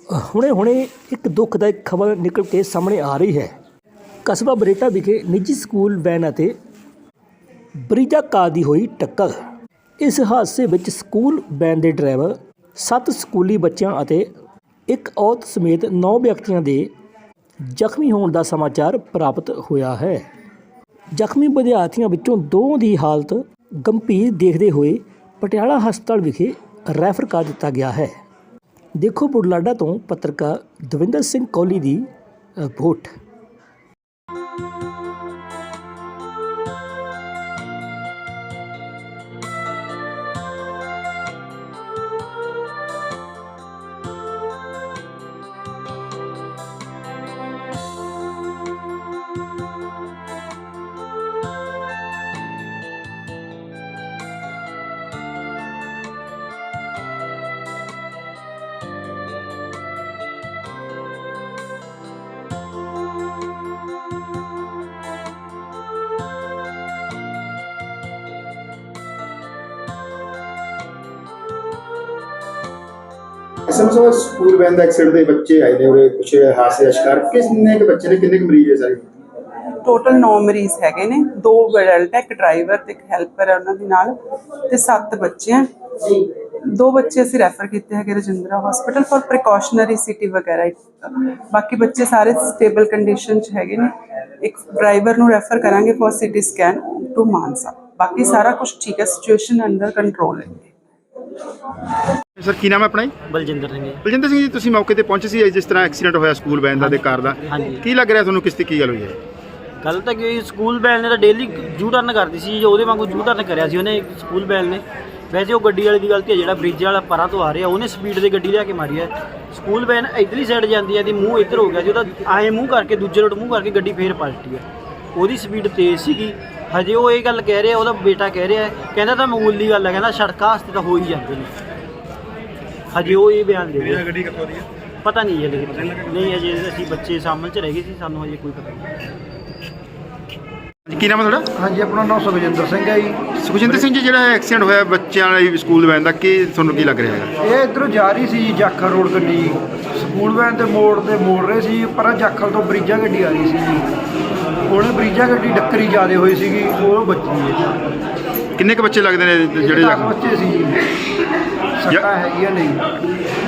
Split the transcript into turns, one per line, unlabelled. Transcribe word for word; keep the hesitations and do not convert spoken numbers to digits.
ਹੁਣੇ ਹੁਣੇ ਇੱਕ ਦੁਖਦਾਇਕ ਖਬਰ ਨਿਕਲ ਕੇ ਸਾਹਮਣੇ ਆ ਰਹੀ ਹੈ। ਕਸਬਾ ਬਰੇਟਾ ਵਿਖੇ ਨਿੱਜੀ ਸਕੂਲ ਵੈਨ ਅਤੇ ਬਰੀਜਾ ਕਾਰ ਦੀ ਹੋਈ ਟੱਕਰ। ਇਸ ਹਾਦਸੇ ਵਿੱਚ ਸਕੂਲ ਵੈਨ ਦੇ ਡਰਾਈਵਰ, ਸੱਤ ਸਕੂਲੀ ਬੱਚਿਆਂ ਅਤੇ ਇੱਕ ਔਰਤ ਸਮੇਤ ਨੌ ਵਿਅਕਤੀਆਂ ਦੇ ਜ਼ਖਮੀ ਹੋਣ ਦਾ ਸਮਾਚਾਰ ਪ੍ਰਾਪਤ ਹੋਇਆ ਹੈ। ਜ਼ਖਮੀ ਵਿਦਿਆਰਥੀਆਂ ਵਿੱਚੋਂ ਦੋ ਦੀ ਹਾਲਤ ਗੰਭੀਰ ਦੇਖਦੇ ਹੋਏ ਪਟਿਆਲਾ ਹਸਪਤਾਲ ਵਿਖੇ ਰੈਫਰ ਕਰ ਦਿੱਤਾ ਗਿਆ ਹੈ। ਦੇਖੋ ਬੁਢਲਾਡਾ ਤੋਂ ਪੱਤਰਕਾਰ ਦਵਿੰਦਰ ਸਿੰਘ ਕੋਹਲੀ ਦੀ ਰਿਪੋਰਟ।
ਸਮਝੋ ਸਕੂਲ ਵੈਨ ਦਾ ਐਕਸੀਡੈਂਟ ਦੇ ਬੱਚੇ ਆਏ ਨੇ ਉਰੇ ਕੁਝ ਹਾਦਸੇ ਦਾ ਸ਼ਿਕਾਰ ਕਿੰਨੇ ਕੁ ਬੱਚੇ ਨੇ ਕਿੰਨੇ ਕੁ ਮਰੀਜ਼ ਹੈ ਸਾਰੇ?
ਟੋਟਲ ਨੌ ਮਰੀਜ਼ ਹੈਗੇ ਨੇ, ਦੋ ਅਡਲਟ ਹੈ, ਇੱਕ ਡਰਾਈਵਰ ਤੇ ਇੱਕ ਹੈਲਪਰ ਹੈ ਉਹਨਾਂ ਦੇ ਨਾਲ, ਤੇ ਸੱਤ ਬੱਚੇ ਆ। ਦੋ ਬੱਚੇ ਅਸੀਂ ਰੈਫਰ ਕੀਤੇ ਹੈਗੇ Rajindra hospital for precautionary CT ਵਗੈਰਾ। ਬਾਕੀ ਬੱਚੇ ਸਾਰੇ ਸਟੇਬਲ ਕੰਡੀਸ਼ਨ 'ਚ ਹੈਗੇ ਨੇ। ਇੱਕ ਡਰਾਈਵਰ ਨੂੰ ਰੈਫਰ ਕਰਾਂਗੇ for CT scan to Mansa. ਬਾਕੀ ਸਾਰਾ ਕੁਝ ਠੀਕ ਹੈ, ਸਿਚੁਏਸ਼ਨ ਅੰਡਰ ਕੰਟਰੋਲ ਹੈ।
ਸਰ ਕੀ ਨਾਮ ਹੈ ਆਪਣਾ ਜੀ?
ਬਲਜਿੰਦਰ ਸਿੰਘ ਜੀ।
ਬਲਜਿੰਦਰ ਸਿੰਘ ਜੀ, ਤੁਸੀਂ ਮੌਕੇ ਤੇ ਪਹੁੰਚੇ ਸੀ ਜਿਸ ਤਰ੍ਹਾਂ ਐਕਸੀਡੈਂਟ ਹੋਇਆ ਸਕੂਲ ਵੈਨ ਦਾ ਤੇ ਕਾਰ ਦਾ,
ਹਾਂਜੀ।
ਕੀ ਲੱਗ ਰਿਹਾ ਤੁਹਾਨੂੰ, ਕਿਸ ਤੇ ਕੀ ਗੱਲ ਹੋਈ ਹੈ?
ਗੱਲ ਤਾਂ ਕਿ ਸਕੂਲ ਵੈਨ ਨੇ ਤਾਂ ਡੇਲੀ ਜੂ ਟਰਨ ਕਰਦੀ ਸੀ, ਜੋ ਉਹਦੇ ਵਾਂਗੂ ਜੂ ਟਰਨ ਕਰਿਆ ਸੀ ਉਹਨੇ ਸਕੂਲ ਵੈਨ ਨੇ। ਵੈਸੇ ਉਹ ਗੱਡੀ ਵਾਲੇ ਦੀ ਗਲਤੀ ਹੈ, ਜਿਹੜਾ ਬ੍ਰਿਜ ਵਾਲਾ ਪਰਾਂ ਤੋਂ ਆ ਰਿਹਾ ਉਹਨੇ ਸਪੀਡ ਤੇ ਗੱਡੀ ਲਿਆ ਕੇ ਮਾਰੀ ਹੈ। ਸਕੂਲ ਵੈਨ ਇੱਧਰਲੀ ਸਾਈਡ ਜਾਂਦੀ ਹੈ ਤੇ ਮੂੰਹ ਇੱਧਰ ਹੋ ਗਿਆ ਜੀ, ਉਹਦਾ ਆਏ ਮੂੰਹ ਕਰਕੇ ਦੂਜੇ ਰੋਡ ਮੂੰਹ ਕਰਕੇ ਗੱਡੀ ਫੇਰ ਪਲਟੀ ਹੈ। ਉਹਦੀ ਸਪੀਡ ਤੇਜ਼ ਸੀਗੀ। ਹਜੇ ਉਹ ਇਹ ਗੱਲ ਕਹਿ ਰਿਹਾ, ਉਹਦਾ ਬੇਟਾ ਕਹਿ ਰਿਹਾ, ਕਹਿੰਦਾ ਤਾਂ ਮਾਮੂਲੀ ਗੱਲ ਹੈ, ਕਹਿੰਦਾ ਸੜਕਾਂ ਵਾਸਤੇ ਤਾਂ ਹੋ ਹੀ ਜਾਂਦੇ ਨੇ। ਹਜੇ ਉਹ ਇਹ ਬਿਆਨ ਦੇ ਰਿਹਾ।
ਗੱਡੀ ਕਿੱਥੋਂ ਦੀ ਹੈ
ਪਤਾ ਨਹੀਂ ਹੈ, ਲੇਕਿਨ ਨਹੀਂ ਅਜੇ ਅਸੀਂ ਬੱਚੇ ਸਾਹਮਣੇ 'ਚ ਰਹਿ ਗਏ ਸੀ, ਸਾਨੂੰ ਹਜੇ ਕੋਈ ਪਤਾ ਨਹੀਂ।
ਕੀ ਨਾਮ ਹੈ ਤੁਹਾਡਾ?
ਹਾਂਜੀ, ਆਪਣਾ ਨਾਮ ਸੁਖਜਿੰਦਰ ਸਿੰਘ ਹੈ ਜੀ।
ਸੁਖਜਿੰਦਰ ਸਿੰਘ ਜੀ, ਜਿਹੜਾ ਐਕਸੀਡੈਂਟ ਹੋਇਆ ਬੱਚਿਆਂ ਵਾਲੀ ਸਕੂਲ ਵੈਨ ਦਾ, ਕੀ ਤੁਹਾਨੂੰ ਕੀ ਲੱਗ ਰਿਹਾ ਹੈ?
ਇਹ ਇੱਧਰੋਂ ਜਾ ਰਹੀ ਸੀ ਜਾਖਲ ਰੋਡ ਗੱਡੀ, ਸਕੂਲ ਵੈਨ ਤੇ ਮੋੜ ਤੇ ਮੋੜ ਰਹੇ ਸੀ, ਪਰ ਜਾਖਲ ਤੋਂ ਬਰੀਜਾ ਗੱਡੀ ਆ ਰਹੀ ਸੀ ਜੀ। ਉਹਨੇ ਬਰੀਜਾ ਗੱਡੀ ਡੱਕਰੀ ਜ਼ਿਆਦਾ ਹੋਈ ਸੀਗੀ, ਉਹ ਬੱਚੀ ਹੈ।
ਕਿੰਨੇ ਕੁ ਬੱਚੇ ਲੱਗਦੇ ਨੇ ਜਿਹੜੇ
ਦਸ ਬੱਚੇ ਸੀ ਜੀ, ਸੱਟਾਂ ਹੈਗੀਆਂ ਨਹੀਂ।